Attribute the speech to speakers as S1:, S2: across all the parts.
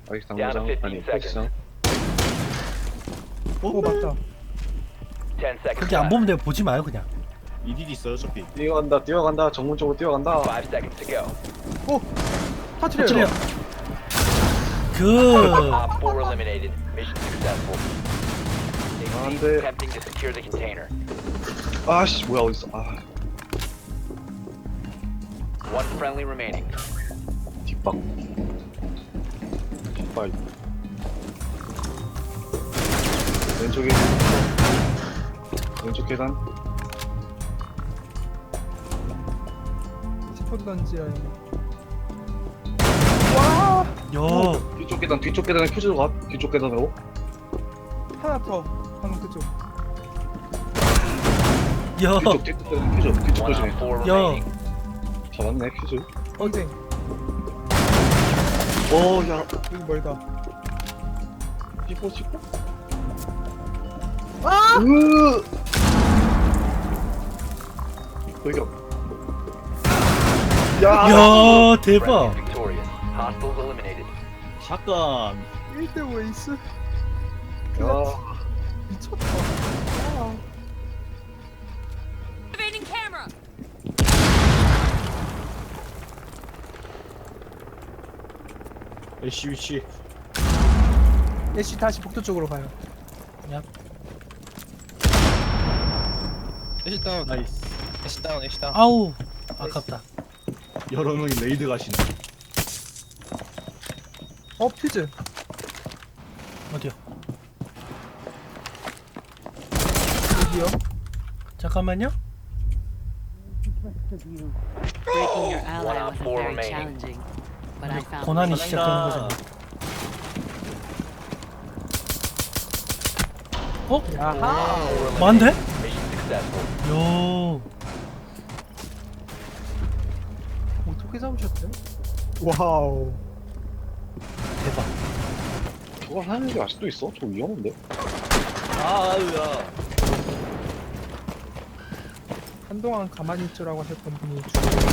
S1: 아직
S2: Down to
S1: 당구장
S2: 15
S1: 아니
S2: seconds.
S1: 헬스장.
S3: 오 맞다.
S2: 10 seconds
S4: 그렇게 안
S2: left.
S4: 보면 돼요. 보지 마요 그냥.
S3: 이딜 있어요 어차피.
S1: 뛰어간다 정문 쪽으로 뛰어간다.
S2: 5 seconds to go.
S3: 오!
S4: 터트려요.
S3: 터트려요.
S4: 그
S2: Op 4 eliminated. Mission successful.
S1: 안
S2: Exceed
S1: 돼.
S2: attempting to secure the container.
S1: 아씨 뭐야 어딨어. 아
S2: One friendly remaining.
S1: 뒷박. 뒷발. 왼쪽에 왼쪽 계단.
S5: 스포드 던지야.
S4: 요.
S1: 뒤쪽 계단에 퓨즈로 가. 뒤쪽 계단으로.
S5: 하나 더. 방금 그쪽.
S4: 요.
S1: 뒤쪽 계단 퓨즈. 뒤쪽
S2: One
S1: 조심해.
S2: Op 4
S4: 요.
S2: remaining.
S1: 잡았네 퓨즈.
S5: 언제?
S1: 오야
S5: 여기 멀다.
S1: 씹어.
S5: 아!
S1: 여기가. 야.
S4: 야 대박.
S2: Friendly victorious. Hostiles eliminated.
S3: 샷건.
S5: 1대5 에이스.
S1: 야.
S5: 미쳤다. 아.
S6: Activating camera.
S3: 애쉬 위치.
S5: 애쉬 다시 복도 쪽으로 가요.
S7: 애쉬 다운,
S3: 나이스.
S7: 애쉬 다운, 애쉬 다운.
S4: 아우 아깝다.
S3: 여러 명이 레이드 가시네.
S5: 퓨즈.
S4: 어디요?
S5: 여기요.
S4: 잠깐만요.
S6: Breaking your ally
S2: One Op
S6: wasn't
S2: 4
S6: very
S2: remaining.
S6: challenging, but I found
S4: 고난이
S6: ways.
S4: 시작되는 거잖아. 어?
S5: 야하.
S4: 많은데?
S2: Mission successful.
S4: 요.
S5: 어떻게 잡으셨대? 와우.
S4: 대박.
S1: 저걸 하는 게 아직도 있어? 저 위험한데?
S3: 아유야.
S5: 한동안 가만히 있으라고 하셨던 분이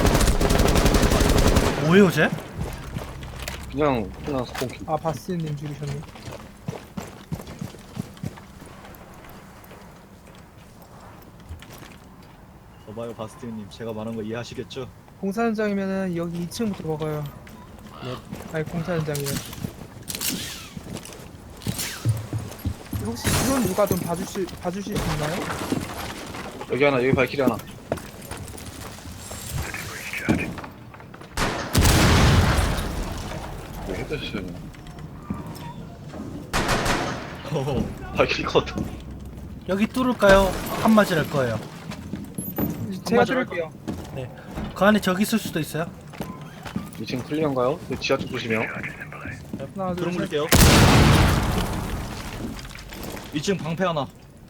S4: 뭐예요 쟤?
S1: 그냥 스폰키.
S5: 바스님 죽이셨네.
S3: 봐봐요 바스티님, 제가 말한 거 이해하시겠죠?
S5: 공사 현장이면은 여기 2층부터 먹어요. 네. 아니 공사 현장이요. 혹시 드론 누가 좀 봐주실 수 있나요?
S1: 여기 하나, 여기 발키리 하나. 왜 헤드샷이냐? 발키리 컷.
S4: 여기 뚫을까요? 한 맞을 거예요.
S5: 제가
S3: 맞아,
S5: 들을게요.
S4: 그 안에 저기 있을 수도 있어요.
S1: 2층 클리어인가요? 지하 쪽 조심해요.
S5: 하나 둘 셋.
S3: 들어볼게요. 2층 방패 하나.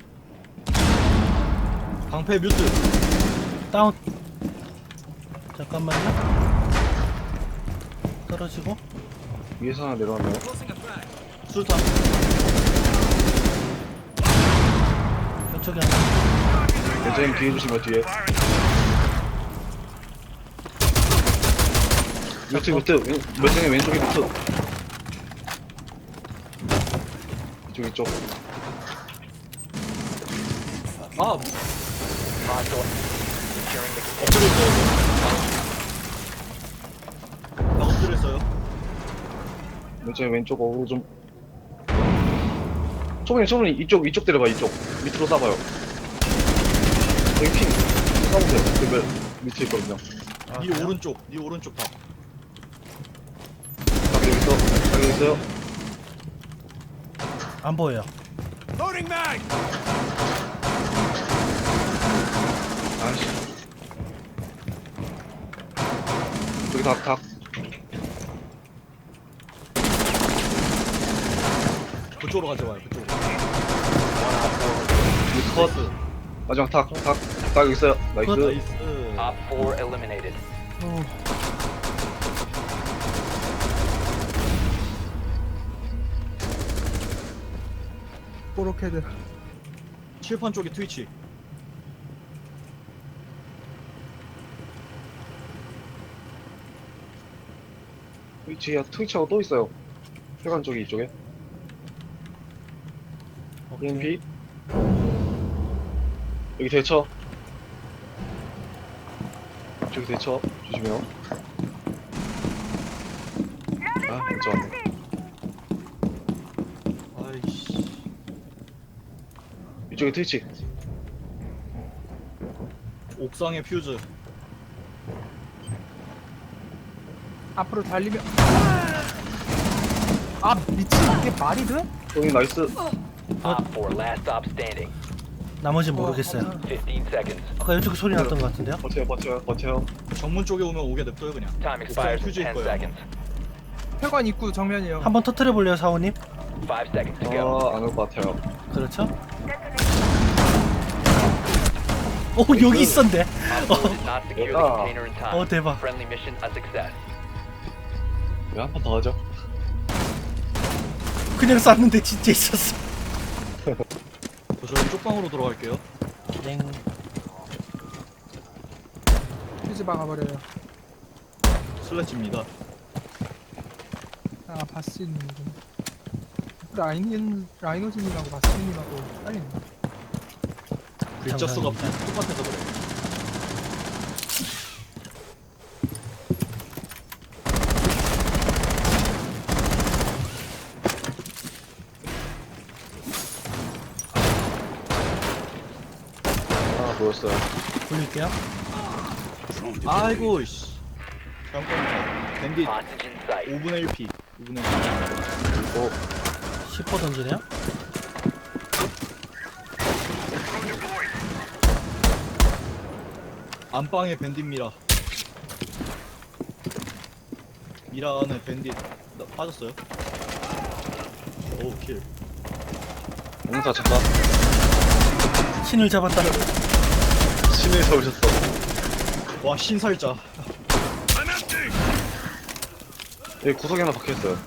S3: 방패 뮤트.
S4: 다운. 잠깐만요. 떨어지고.
S1: 위에서 하나 내려왔네요.
S3: 술탄.
S4: 왼쪽에 하나.
S1: 괜찮으면 뒤에 조심해요, 뒤에. 뮤트. 왼쪽에 뮤트. 이쪽.
S3: 아,
S2: Hostile. Securing the container.
S3: 엎드렸어요. 나 엎드렸어요.
S1: 왼쪽에 왼쪽 어그로 좀. 초반에 이쪽 때려봐, 이쪽. 밑으로 쏴봐요. 여기 핑. 쏴보세요. 그 밑에 있거든요.
S3: 네 오른쪽, 네 오른쪽 봐.
S1: 여기 있어요.
S4: 안 보여요.
S1: 아이씨. 여기 닭.
S3: 그쪽으로 가져와요. 그쪽으로.
S1: 여기 컷. 마지막 닭 여기 있어요. 나이스.
S3: 나이스.
S2: Op 4 eliminated.
S5: 보로캐드.
S3: 칠판 쪽에 트위치.
S1: 트위치하고 또 있어요. 혈관 쪽이 이쪽에. EMP. 여기 대처. 저기 대처. 조심해요. 아, 진짜 왔네.
S3: 아이씨.
S1: 이쪽에 트위치.
S3: 옥상에 퓨즈.
S5: 앞으로 달리면 아 미친 이게 말이 돼?
S1: 여기 나이스.
S2: Op 4, last stop standing.
S4: 나머지 모르겠어요.
S2: 15 seconds.
S4: 아까 이쪽에 소리 났던 것 같은데요?
S1: 버텨요.
S3: 정문 쪽에 오면 오게 냅둬요 그냥.
S2: Time expires in
S3: 퓨즈일
S2: 10
S3: 거예요.
S2: seconds.
S5: 혈관 입구 정면이요.
S4: 한번 터트려 볼래요, 사원님?
S2: 5 seconds to go.
S1: 안 올 것 같아요.
S4: 그렇죠? 오, 여기 있었네.
S2: Op 4 did not secure the container in time.
S4: 대박.
S2: Friendly mission a success.
S1: 왜 한 번 더 하죠?
S4: 그냥 쐈는데 진짜 있었어.
S3: 저희 쪽방으로 들어갈게요.
S4: 땡.
S5: 퓨즈 박아버려요.
S3: 슬래치입니다.
S5: 아 바스님이군. 라이노즈님하고 바스님하고 빨리네.
S3: 글자 수가
S4: 감사합니다.
S3: 똑같아서 그래.
S1: 보였어요.
S4: 굴릴게요.
S3: 아이고 씨. 잠깐만. 밴딧
S2: Hostage in sight.
S3: 5분의 1피. 5분의 1피.
S1: 그리고
S4: 10호 던지네요.
S3: 안방에 밴딧 미라. 미라 안에 밴딧 빠졌어요. 오 킬.
S1: 공사 잠깐.
S4: 신을 잡았다.
S1: 신을 잡으셨어.
S3: 와 신살자.
S1: 여기 구석에 하나 박혀있어요.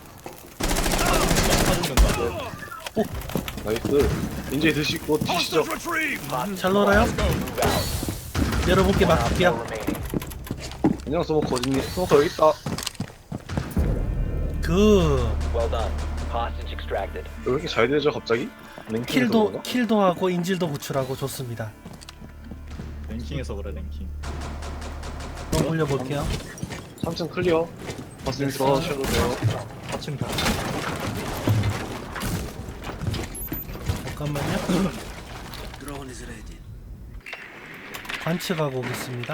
S3: 사준다.
S1: 나이스. 이제 드시고 튀시죠.
S4: 잘 놀아요.
S2: Move out.
S4: 여러분께
S2: Op 4
S4: 맡길게요.
S2: remaining.
S1: 안녕 스모커 어딨니? 스모커 여기 있다.
S4: 그
S2: Well done. Hostage extracted.
S1: 왜 이렇게 잘 되죠 갑자기? 랭킹에서 그런가?
S4: 킬도 하고 인질도 구출하고 좋습니다.
S3: 랭킹에서 그래 랭킹.
S4: 한번 올려볼게요.
S1: 3층 클리어. 버스님 들어가셔도 돼요.
S3: 4층 다.
S4: 잠깐만요. 관측하고 오겠습니다.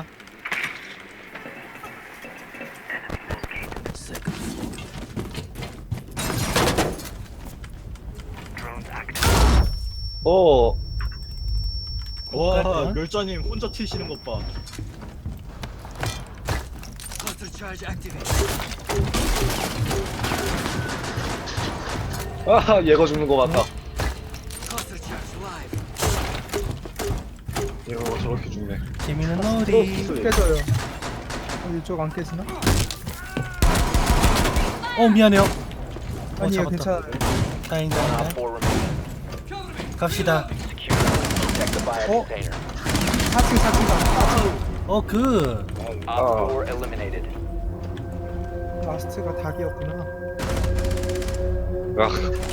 S1: 어.
S3: 와
S4: 갈까요?
S3: 멸자님 혼자 튀시는 것 봐.
S1: 아 얘가 죽는 거 같다. 얘가 저렇게 죽네.
S4: 재미는 놀이.
S5: 깨져요. 이쪽 안 깨지나?
S4: 미안해요.
S5: 아니요
S4: 잡았다.
S5: 괜찮아요.
S2: Op
S4: 다행이다.
S2: 4 remaining.
S4: 갑시다.
S2: Secure. Protect the bio container.
S5: 4층 4층
S4: 그
S2: Op 4 eliminated.
S5: 라스트가 닭이었구나.
S1: 야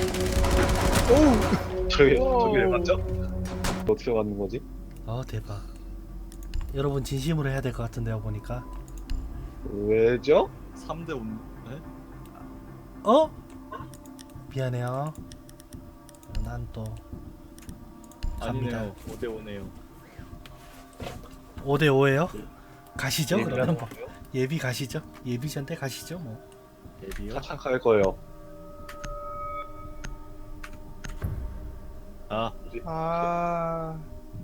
S5: 오우
S1: 저기 왜 맞죠? 어떻게 맞는 거지?
S4: 대박. 여러분 진심으로 해야 될 것 같은데요 보니까.
S1: 왜죠?
S3: 3대 5. 네?
S4: 미안해요. 난 또 갑니다.
S3: 아니네요. 5대 5네요.
S4: 5대 5예요? 가시죠
S1: 예,
S4: 그러면 뭐. 예비 가시죠. 예비전대 가시죠 뭐.
S3: 데뷔요?
S1: 사창할 거예요.
S3: 아,
S5: 아.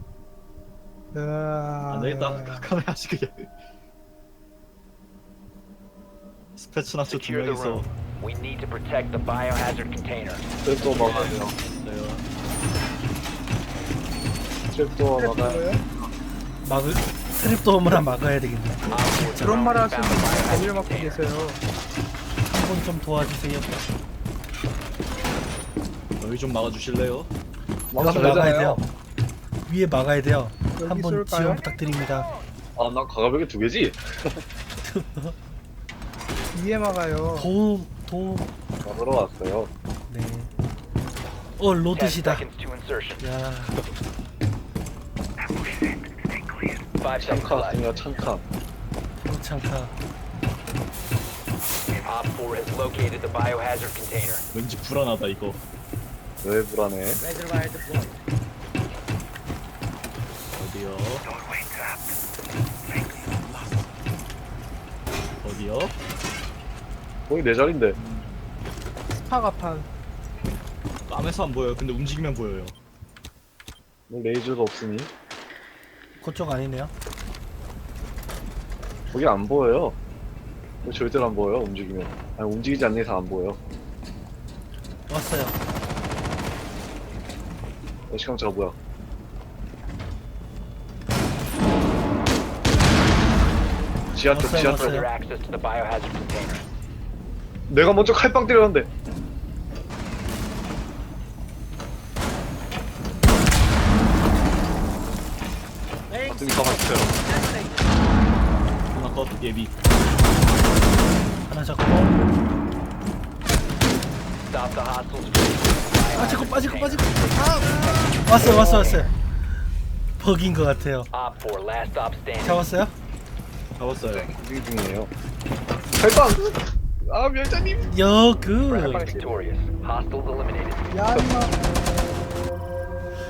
S3: 안 되겠다. 카메라 하시 그냥. 스패츠 나초 두
S2: Secure the
S3: 명이서
S2: room. We need to protect the biohazard container.
S1: 트랩도 막아야 돼요.
S3: 있어요.
S1: 트랩도 막아야
S4: 막을 트랩도어무나 막아야 되겠네.
S2: Op 4
S5: 그런 말
S2: drone
S5: 하시는
S2: found
S5: 분이
S2: biohazard
S5: 아니를 맡고
S2: container.
S5: 계세요.
S4: 한 번 좀 도와주세요.
S3: 여기 좀 막아주실래요?
S4: 여기 막아야 돼요. 위에 막아야 돼요.
S5: 여기
S4: 한 번
S5: 쏠까요?
S4: 지원 부탁드립니다.
S1: 아나 가가벽에 2개지?
S5: 위에 막아요.
S4: 도.
S1: 먹으러 왔어요.
S4: 네.
S2: 10
S4: 로드시다.
S2: seconds to insertion.
S4: 야,
S2: 5 seconds
S1: 창카
S2: left.
S1: 아니야 창카.
S4: 창카.
S2: Op 4 has located the biohazard container.
S3: 왠지 불안하다 이거.
S1: 왜 불안해?
S3: 어디요? 어디요?
S1: 거기 내 자리인데.
S5: 스파가판.
S3: 땀에서 안 보여요. 근데 움직이면 보여요.
S1: 뭐 레이저도 없으니
S4: 그쪽 아니네요.
S1: 거기 안 보여요. 거기 절대로 안 보여요. 움직이면. 아니 움직이지 않는 이상 안 보여.
S4: 왔어요.
S1: 시간차가 뭐야? 지하 쪽,
S4: 왔어요,
S1: 지하 쪽.
S4: 왔어요.
S2: Further access to the biohazard container.
S1: 내가 먼저 칼빵 때렸는데. 맞으니 가만있어요.
S3: 하나 컷 예비.
S4: 하나 잡고.
S2: Stop the hostiles from the biohazard
S4: 빠지고
S2: container.
S4: 왔어요. 버긴 것 같아요.
S2: Op 4, last stop standing.
S4: 잡았어요?
S3: 잡았어요.
S1: 움직이 중이에요. 칼빵! 아, 멸자님!
S4: 여그.
S2: Friendly victorious. Hostiles eliminated.
S5: 야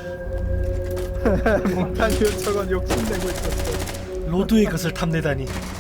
S5: 임마. 몽타뉴 저건 욕심내고 있었어.
S4: 로드의 것을 탐내다니.